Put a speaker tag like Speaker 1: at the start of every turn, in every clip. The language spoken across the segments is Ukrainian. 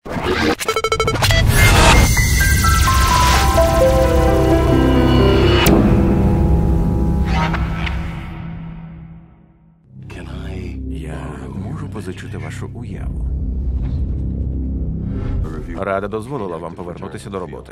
Speaker 1: Я можу позичити вашу уяву. Рада дозволила вам повернутися до роботи.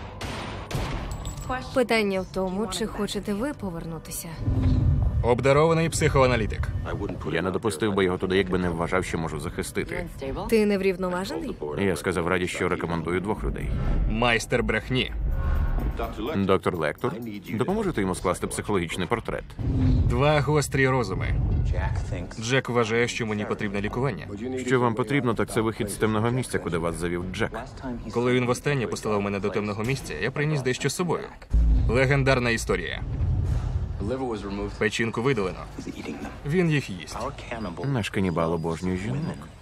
Speaker 2: Питання в тому, чи хочете ви повернутися.
Speaker 3: Обдарований психоаналітик.
Speaker 1: Я не допустив би його туди, якби не вважав, що можу захистити.
Speaker 2: Ти неврівноважений?
Speaker 1: Я сказав Раді, що рекомендую 2 людей.
Speaker 3: Майстер брехні.
Speaker 1: Доктор Лектор, допоможете йому скласти психологічний портрет?
Speaker 3: 2 гострі розуми. Джек вважає, що мені потрібне лікування.
Speaker 1: Що вам потрібно, так це вихід з темного місця, куди вас завів Джек.
Speaker 3: Коли він востаннє посилав мене до темного місця, я приніс дещо з собою. Легендарна історія. Печінку видалено. Він їх їсть.
Speaker 1: Наш канібал обожнює жінок.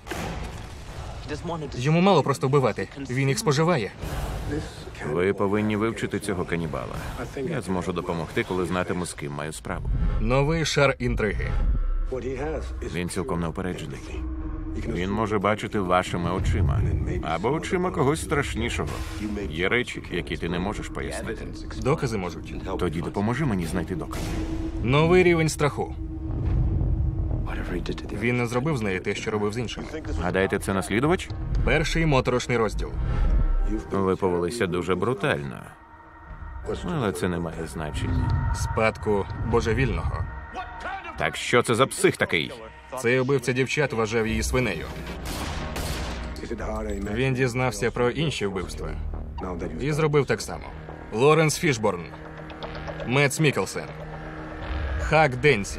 Speaker 3: Йому мало просто вбивати. Він їх споживає.
Speaker 1: Ви повинні вивчити цього канібала. Я зможу допомогти, коли знатиму, з ким маю справу.
Speaker 3: Новий шар інтриги.
Speaker 1: Він цілком неупереджений. Він може бачити вашими очима. Або очима когось страшнішого. Є речі, які ти не можеш пояснити.
Speaker 3: Докази можуть.
Speaker 1: Тоді допоможи мені знайти докази.
Speaker 3: Новий рівень страху. Він не зробив з нею те, що робив з іншими.
Speaker 1: Гадаєте, це наслідувач?
Speaker 3: Перший моторошний розділ.
Speaker 1: Ви повелися дуже брутально. Але це не має значення.
Speaker 3: Спадку божевільного.
Speaker 1: Так що це за псих такий?
Speaker 3: Цей убивця дівчат вважав її свинею. Він дізнався про інші вбивства. І зробив так само. Лоренс Фішборн. Метс Мікkelсен. Хак Денсі.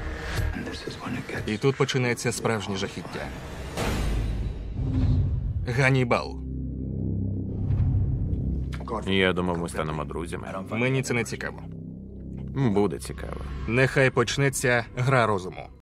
Speaker 3: І тут починається справжнє жахіття. Ганнібал.
Speaker 1: Я думав, ми станемо друзями.
Speaker 3: Мені це не цікаво.
Speaker 1: Буде цікаво.
Speaker 3: Нехай почнеться гра розуму.